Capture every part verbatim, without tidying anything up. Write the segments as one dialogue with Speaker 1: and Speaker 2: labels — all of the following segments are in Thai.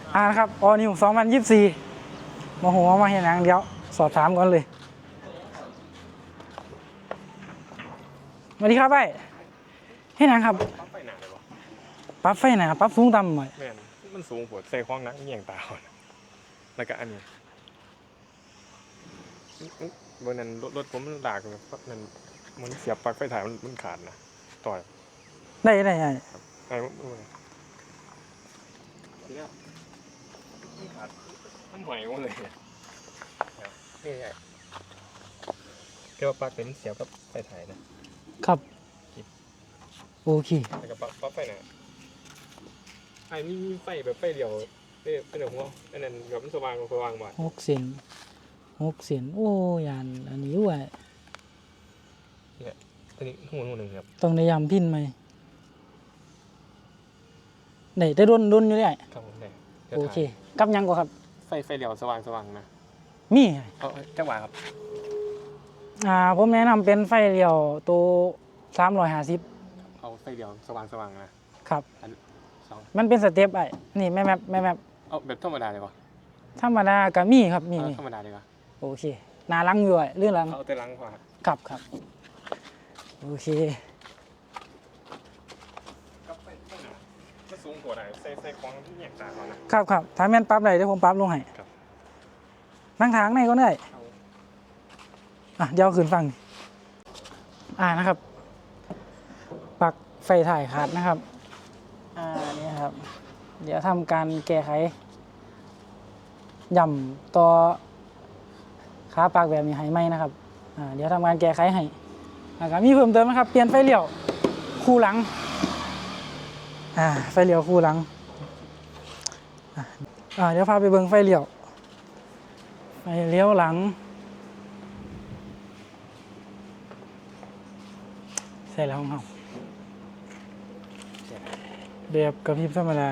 Speaker 1: อ่านะครับออนิวสองพันยี่สิบสี่มาหัวมาเห็นหนังเดียวสอบถามก่อนเลยสวัสดีครับไอ้เห็นหนังครับ
Speaker 2: ปั๊บไฟหนาเลยวะ
Speaker 1: ปรับไฟหนาปรับสูงต่ำหน่อย
Speaker 2: แม่นมันสูงปวดใส่คล้องนักเงี่ยงตาอ่อนแล้วก็อันนี้บนนั้นรถผมมันดากเลยปั๊บนั้นมันเสียบปลั๊กไฟถ่ายมันมันขาดนะต่อย
Speaker 1: ได้ได้ไอ้
Speaker 2: ไอ้มันทีนี้มันขาดมันหอยหมดเลยเนี่ยนี่ไงแค่ว่าปลั๊กเป็นเสียบกับไฟถ่ายนะครับ
Speaker 1: โอเค
Speaker 2: แล้วก็ปั๊บปั๊บไฟหนาไอ้มีไฟแบบไฟเดียวเป็นแบบหัวอันนั้นแบบมันสว่างสว่างบ่อย
Speaker 1: หกเซนหกเซนโอ้ยานอันนี้ด้วย
Speaker 2: อันนี้หัวหัวหนึ่งครับ
Speaker 1: ต้องได้ยำพินไหมไหนได้รุนรุนอยู่เลย
Speaker 2: ครับผมได้
Speaker 1: โอเคกับยังกว่าครับ
Speaker 2: ไฟไฟเดียวสว่างสว่างนะ
Speaker 1: มี
Speaker 2: เอาจังหวะครับ
Speaker 1: อ่าผมแนะนำเป็นไฟเดียวตัวสามร้อยห้าสิบ
Speaker 2: เอาไฟเดียวสว่างสว่างนะครับอันสอง
Speaker 1: มันเป็นสเต็ปไอ้นี่แม่แมปแม่แมป
Speaker 2: เอาแบบธรรมดาเลยวะ
Speaker 1: ธรรมดากับมีครับมี
Speaker 2: เอา
Speaker 1: มี
Speaker 2: ธรรมดาเลยวะ
Speaker 1: โอเคหนาลังอยู่ไอ้เรื่องลัง
Speaker 2: เอาแต่ลังพอครับ
Speaker 1: ครับครับโอเค
Speaker 2: ก็สูงกว่าได้ใส่ใส่คล้องที่แยกตาก่อนนะ
Speaker 1: ครับครับถ้าแม่นปรั๊บได้เดี๋ยวผมปรั๊บลงให้
Speaker 2: ครับ
Speaker 1: นั่งทางไหนก็ได้
Speaker 2: เอา
Speaker 1: อ่ะเดี๋ยวขึ้นฟังอ่านะครับปลั๊กไฟถ่ายขาดนะครับอ่านี่ครับ เดี๋ยวทำการแก้ไขย่ำต่อขาปลั๊กแบบนี้ให้ไหมนะครับอ่าเดี๋ยวทำการแก้ไขให้นะครับมีเพิ่มเติมนะครับเปลี่ยนไฟเลี้ยวคู่หลังอ่าไฟเลี้ยวคู่หลังอ่าอ่าเดี๋ยวพาไปเบิ่งไฟเลี้ยวไฟเลี้ยวหลังใช่แล้วของเราแบบกระพริบธรรมดา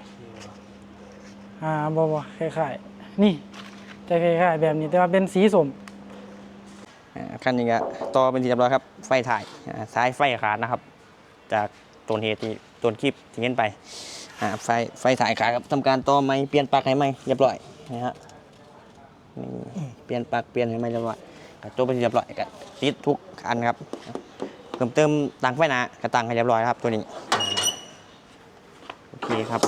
Speaker 1: อ่าบอบคล้ายๆนี่จะคล้ายๆแบบนี้แต่ว่าเป็นสีส้ม
Speaker 3: คันนี้ก็ต่อเป็นที่เรียบร้อยครับไฟถ่ายอ่าสายไฟขาดนะครับ จากต้นเหตุที่ต้นคลิปที่เห็นไปอ่าไฟไฟถ่ายขาดครับทำการต่อไม้เปลี่ยนปลั๊กให้ไหมเรียบร้อยนะฮะนี่เปลี่ยนปลั๊กเปลี่ยนให้ไหมเรียบร้อยก็จบเป็นที่เรียบร้อยก็ติดทุกอันครับเพิ่มเติมต่างไฟหนากระตังให้เรียบร้อยครับตัวนี้โอเคครับ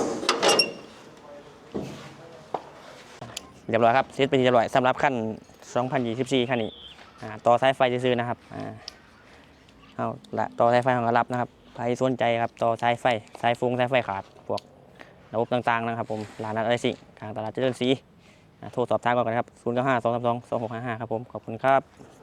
Speaker 3: เรียบร้อยครับเสร็จเป็นที่เรียบร้อยสำหรับขั้นสองพันยี่สิบสี่ขั้นนี้อ่าต่อสายไฟซื้อๆนะครับอ่าเอาละต่อสายไฟของกระรับนะครับใครสนใจครับต่อสายไฟสายฟงสายไฟขาดพวกระบบต่างๆนะครับผมร้านนัดอะไรสิกลางตลาดเจริญศรีอ่าโทรสอบถามก่อนกันครับศูนย์ เก้า ห้า สอง สาม สอง สอง หก ห้า ห้าครับผมขอบคุณครับ